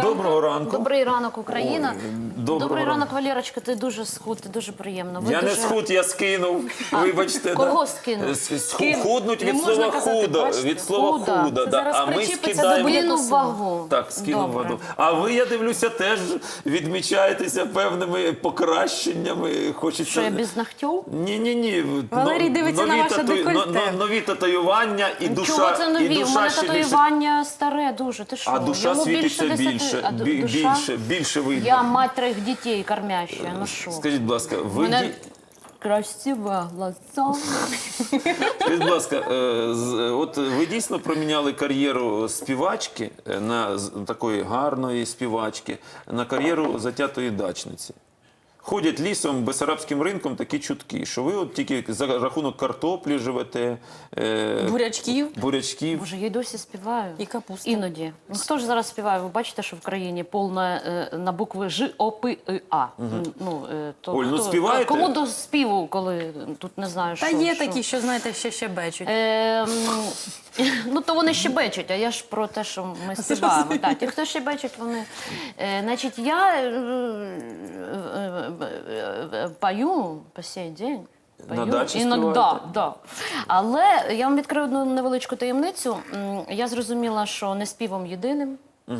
доброго ранку. Добрий ранок, Україна. Доброго Добрий ранок, ранку. Валерочка, ти дуже схуд, ти дуже приємно. Ви Я не дуже... схуд, я скинув. Вибачте. Кого да. скинув? Худнуть Не від можна слова казати, худо. бачите? Від слова Худа. худо. Це Да. зараз А ми причіпиться скидаємо. до Скинув вагу. Так, скинув Добре. воду. А ви, я дивлюся, теж відмічаєтеся певними покращеннями. Хочеться... Що, я без ногтів? Ні. Валерій дивиться на ваше декольте. Нові татуювання і душа, Чого це і нові? У душа мене ще більше. татуювання старе дуже. Ти що? А душа Йому світиться 10. більше, А душа? більше видно. Я мать 3 дітей кормящая. Ну що? Скажіть, будь ласка, ви... Мене красиве глаза. Скажіть, будь ласка, от ви дійсно проміняли кар'єру співачки такої гарної співачки на кар'єру затятої дачниці. Ходять лісом, Бессарабським ринком такі чутки, що ви от тільки за рахунок картоплі живете, бурячків. Боже, я й досі співаю. І капуста. Іноді. Ну, хто ж зараз співає? Ви бачите, що в країні повна на букви Ж, О, П, І, А. Ну, то Оль, ну хто- співаєте? Кому до співу, коли тут не знаю, що? Та є що? такі, що, знаєте, ще бечуть. Ну, то вони щебечуть, а я ж про те, що ми співаємо. Так, ті, хто щебечуть, вони... Значить, я пою по сей день. На дачі Іноді, співаєте? да. Але я вам відкрию одну невеличку таємницю. Я зрозуміла, що не співом єдиним.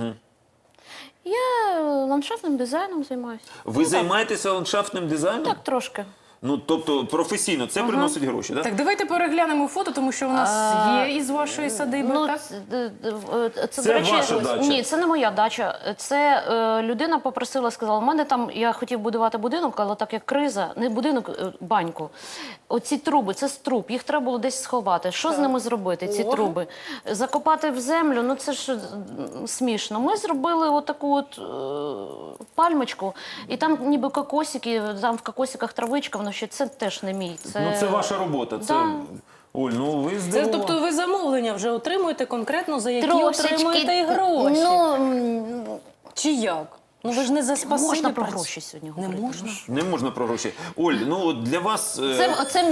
Я ландшафтним дизайном займаюся. Ви займаєтеся ландшафтним дизайном? Так, трошки. Ну, тобто професійно, це приносить гроші, так? Так, давайте переглянемо фото, тому що у нас є із вашої садиби, Ну, так? це, Це до речі, ваша дача? Ні, це не моя дача. Це людина попросила, сказала, у мене там, я хотів будувати будинок, але так як криза, не будинок, баньку. Оці труби, це з труб, їх треба було десь сховати. Що з ними зробити, ці труби? Закопати в землю, ну це ж смішно. Ми зробили отаку от пальмочку, і там ніби кокосики, там в кокосиках травичка, воно ще це теж не мій. Ну, це ваша робота. Це... Да. Оль, ну ви Це, здивували. тобто ви замовлення вже отримуєте конкретно, за які отримуєте і гроші. Ну, Чи як? Ну ви ж не за спасибі можна про працюєте. гроші сьогодні Не говорити. можна? Не можна про гроші. Оль, ну от для вас... Це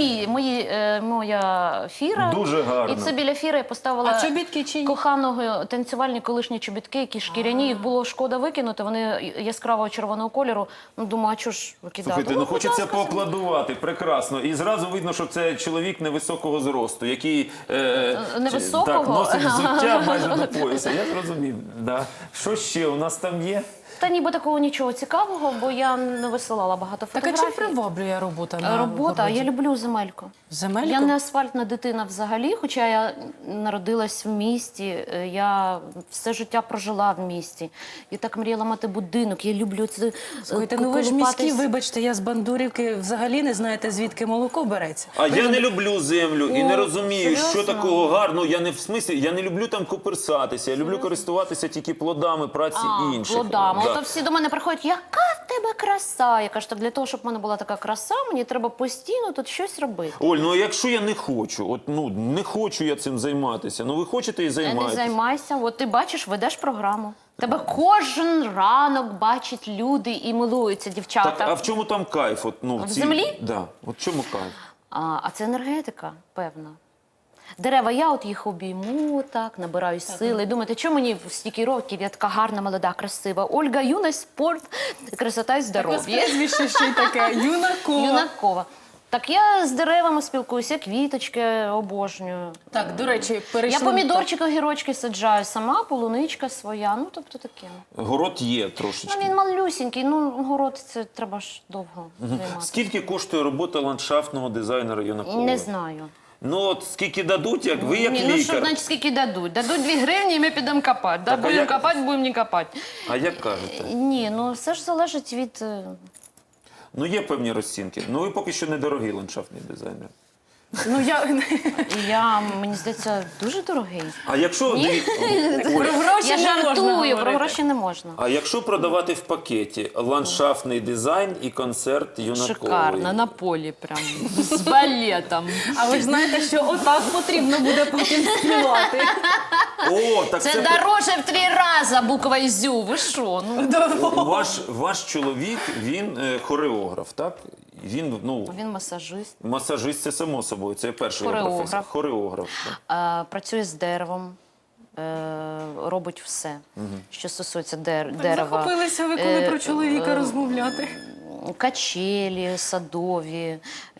моя фіра. Дуже гарно. І це біля фіри я поставила А чобітки чиї? коханого танцювальні колишні чобітки, які шкіряні. Їх було шкода викинути, вони яскраво червоного кольору. Ну, думаю, а чого ж викидати? Слухайте, ну хочеться будь ласка, поаплодувати, прекрасно. І зразу видно, що це чоловік невисокого зросту, який Невисокого? так, носить взуття майже до пояса. Я зрозумів. Да. Що ще у нас там є? Та ніби такого нічого цікавого, бо я не висилала багато Так а фотографій. чим приваблює робота на Робота, городі? я люблю земельку. Земельку? Я не асфальтна дитина взагалі, хоча я народилась в місті, я все життя прожила в місті. Я так мріяла мати будинок, я люблю це. Слухайте, ну ви ж міські, вибачте, я з Бандурівки взагалі не знаєте, звідки молоко береться. А я не люблю землю і не розумію, що серйозно? такого гарного. Я не в смислі, я не люблю там коперсатися, я люблю користуватися тільки плодами праці інших. Плодами. Да. Ото всі до мене приходять, яка в тебе краса? Я кажу, так для того, щоб в мене була така краса, мені треба постійно тут щось робити. Оль, ну а якщо я не хочу, от ну не хочу я цим займатися, ну ви хочете і Не займаєтесь. займайся, от ти бачиш, ведеш програму. Тебе кожен ранок бачать люди і милуються, дівчата. Так, а в чому там кайф? От, ну, В землі? Да. От в чому кайф? А це енергетика, певна. Дерева, я от їх обійму, так, набираю сили. І думаєте, чому мені в стільки років я така гарна, молода, красива? Ольга, юність, спорт, красота і здоров'я. Прізвище ще й таке, Юнакова. Юнакова. Так я з деревами спілкуюся, квіточки обожнюю. Так, до речі, Я перейшли... помідорчики, огірочки саджаю сама, полуничка своя, ну тобто таке. Город є трошечки. Ну він малюсінький, ну город це треба ж довго займатися. Скільки коштує робота ландшафтного дизайнера Юнакова? Не знаю. Ну от скільки дадуть, як ви як Ні, ну що лікар. значить скільки дадуть? Дадуть 2 гривні і ми підемо копати. Да? Так, а Будемо як- копати, будемо не копати. А як кажете? Ні, ну все ж залежить від... Ну є певні розцінки. Ну ви поки що недорогий ландшафтний дизайнер. Ну, Мені здається, дуже дорогий. А якщо про гроші Я не можна жартую, про говорити. гроші не можна. а якщо продавати в пакеті ландшафтний дизайн і концерт Юнакової? Шикарно, на полі прям, з балетом. А ви ж знаєте, що отак потрібно буде потім співати. О, так Це дороже в 3 рази буква ЗЮ, ви що? Ну, ваш чоловік, він хореограф, так? Він, ну, він масажист, масажист, це само собою, це перша його Хореограф. професія. Хореограф. так. працює з деревом. робить все, що стосується Так дерева. захопилися ви, коли про чоловіка розмовляти. Качелі садові,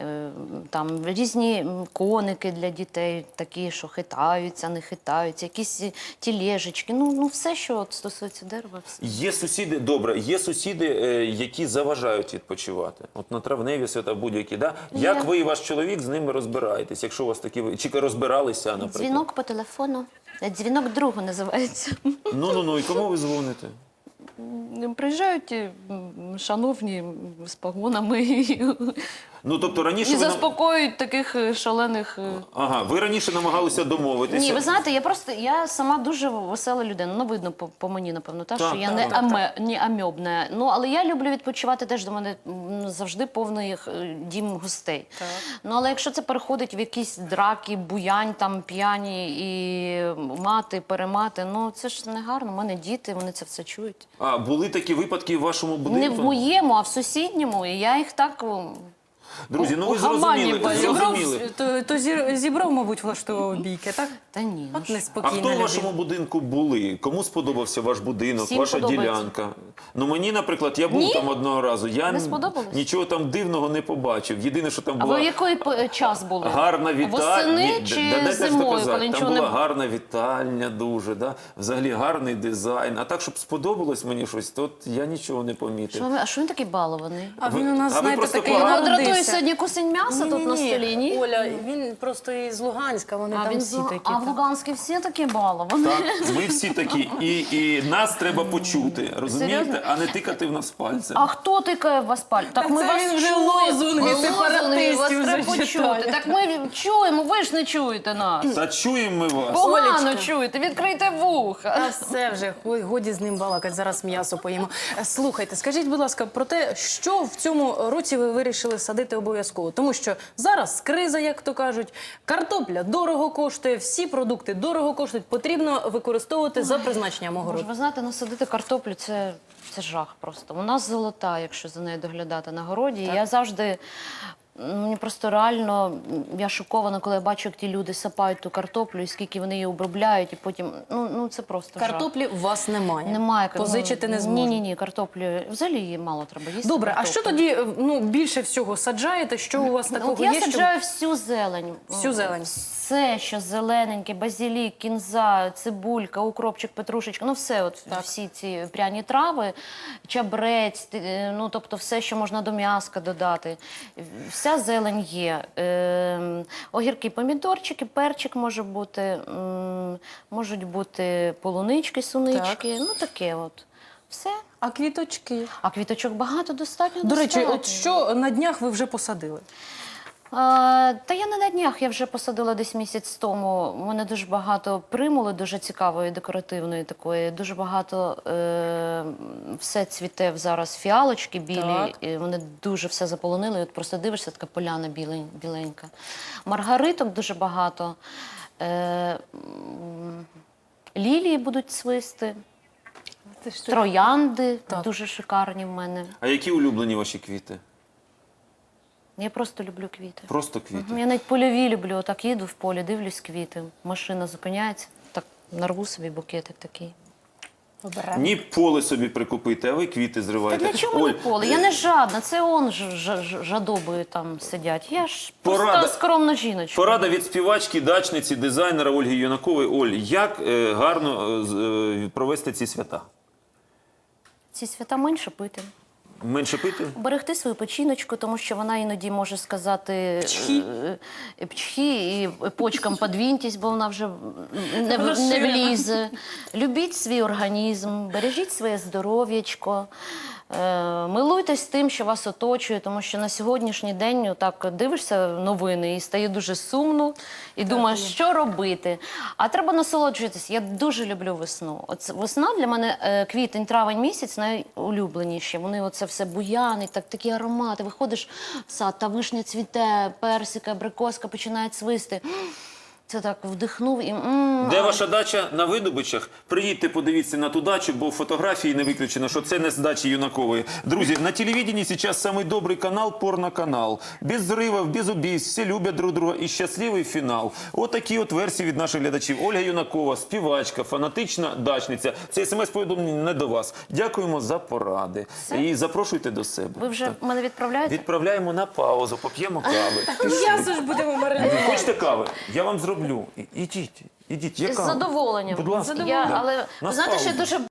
там різні коники для дітей, такі, що хитаються, не хитаються, якісь тележечки, ну все, що от стосується дерева. Все. Є сусіди, добре, є сусіди, які заважають відпочивати. От на травневі свята будь-які, да? Як ви і ваш чоловік з ними розбираєтесь, якщо у вас такі, чи розбиралися, наприклад? Дзвінок по телефону. Дзвінок другу називається. Ну, і кому ви дзвоните? Приїжджають шановні з погонами і Ну, тобто раніше ви... заспокоюють таких шалених... Ага, ви раніше намагалися домовитися. Ні, ви знаєте, я сама дуже весела людина. Ну, видно по мені, напевно, Так, що я не амьобна. Ну, але я люблю відпочивати, теж до мене завжди повний дім гостей. Так. Ну, але якщо це переходить в якісь драки, буянь, там, п'яні і мати, перемати, ну, це ж не гарно. У мене діти, вони це все чують. А були такі випадки в вашому будинку? Не в моєму, а в сусідньому, і я їх так... Друзі, ну ви у гамані зрозуміли. То Зібров, мабуть, влаштовував бійки, так? Та ні, ну От ж. А неспокійна хто в людина. вашому будинку були? Кому сподобався ваш будинок, Всім ваша подобається. ділянка? Ну мені, наприклад, я був Ні? там одного разу. Я Не сподобалось? нічого там дивного не побачив. Єдине, що там А була ви в який час були? гарна вітальня. Восени чи зимою, коли Там нічого була не... гарна вітальня дуже, да? Взагалі гарний дизайн. А так, щоб сподобалось мені щось, то от я нічого не помітив. А що він такий балований? А він у нас, А ви знаєте, просто такий погано- Його дратує народився. сьогодні кусень м'яса тут на столі, ні? Оля, він просто із Луганська, вони там всі такі. А в Луганській всі такі баловані. Так, ми всі такі. І нас треба почути, розумієте? Серйозно? А не тикати в нас пальцем. А хто тикає в вас паль? Так ми це вас він вже чуємо. лозунги Лозунги сепаратистів вас вже треба почути. читає. Так ми чуємо, ви ж не чуєте нас. Та чуємо ми вас. Погано Олечка. чуєте, відкрийте вуха. Та все вже, годі з ним балакати, зараз м'ясо поїмо. Слухайте, скажіть, будь ласка, про те, що в цьому році ви вирішили садити обов'язково? Тому що зараз криза, як то кажуть, картопля дорого коштує, всі продукти дорого коштують, потрібно використовувати за призначенням Боже, огороду. ви знаєте, насадити картоплю це жах просто. У нас золота, якщо за нею доглядати на городі. Я завжди. Мені просто реально, я шокована, коли я бачу, як ті люди сапають ту картоплю, і скільки вони її обробляють, і потім, ну це просто жах. Картоплі у вас немає. Немає. Позичити не зможете. Ні, картоплю. Взагалі її мало треба їсти. Добре, а картоплю. що тоді більше всього саджаєте? Що у вас такого От я є? саджаю всю зелень. Всю зелень? Все, що зелененьке, базилік, кінза, цибулька, укропчик, петрушечка, ну все, от всі ці пряні трави, чабрець, ну тобто все, що можна до м'яска додати. Вся зелень є. Огірки, помідорчики, перчик може бути, можуть бути полунички, сунички, ну таке от. Все. А квіточки? А квіточок багато, достатньо. До речі, достатньо. от що на днях ви вже посадили? Та я не на днях, я вже посадила десь місяць тому. У мене дуже багато примули, дуже цікавої, декоративної такої. Дуже багато все цвіте зараз фіалочки білі. Так. І вони дуже все заполонили. І от просто дивишся, така поляна біленька. Маргариток дуже багато. Лілії будуть цвісти. Троянди Так. дуже шикарні в мене. А які улюблені ваші квіти? Я просто люблю квіти. Просто квіти. Я навіть польові люблю. Отак їду в полі, дивлюсь квіти. Машина зупиняється, так нарву собі букетик такий. Ні поле собі прикупити, а ви квіти Та зриваєте. для чого мені поле? Я не жадна, це он жадобою там сидять. Я ж Порада. просто скромна жіночка. Порада від співачки, дачниці, дизайнера Ольги Юнакової. Оль, як гарно провести ці свята? Ці свята менше пити. Менше пити? Берегти свою печіночку, тому що вона іноді може сказати пчхі і почкам подвіньтесь, бо вона вже не влізе. Любіть свій організм, бережіть своє здоров'ячко. Милуйтесь тим, що вас оточує, тому що на сьогоднішній день так дивишся новини і стає дуже сумно, і думаєш, що робити. А треба насолоджуватись. Я дуже люблю весну. Весна для мене квітень, травень місяць найулюбленіші. Вони оце все буянить, такі аромати. Виходиш в сад, та вишня цвіте, персика, абрикоска починає цвисти. Це так вдихнув і Де ваша дача? На Видобичах. Приїдьте, подивіться на ту дачу, бо фотографії не виключено, що це не з дачі Юнакової. Друзі, на телевидении сейчас самый добрый канал, порноканал. Без взрывов, без убийств, все люблять друг друга і щасливий фінал. От такі от версії від наших глядачів. Ольга Юнакова, співачка, фанатична дачниця. Це смс-повідомлення не до вас. Дякуємо за поради. І запрошуйте до себе. ви вже мене відправляєте? Відправляємо на паузу, поп'ємо кави. М'ясо ж будемо маринувати. Хочете кави? Я вам зроблю. Ідіть, ідіть. Є З кава? задоволенням. Будь ласка. Але ви На знаєте, що паузу. дуже